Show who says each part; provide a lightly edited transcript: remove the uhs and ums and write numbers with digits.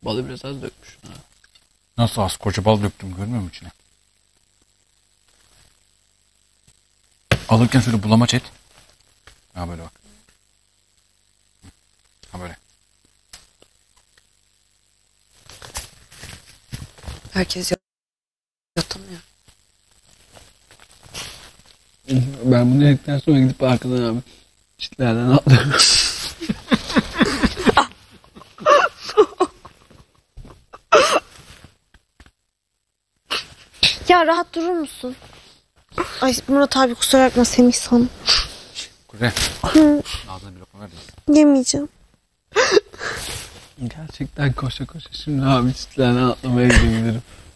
Speaker 1: Balı biraz az dökmüş. Ha.
Speaker 2: Nasıl az? Koca bal döktüm, görmüyor musun içine? Alırken şöyle bulamaç et. Ha böyle bak. Ha böyle.
Speaker 3: Herkes yatamıyor.
Speaker 1: Ben bunu yedikten sonra gidip arkadan abi çitlerden atlarım.
Speaker 3: Ya rahat durur musun? Ay Murat abi kusura bakma Semih san.
Speaker 2: Kuzey. Ağzına bir lokma ver de.
Speaker 3: Yemeyeceğim.
Speaker 1: Gerçekten koşa koşa şimdi abi çitlerden atlamaya gidebilirim.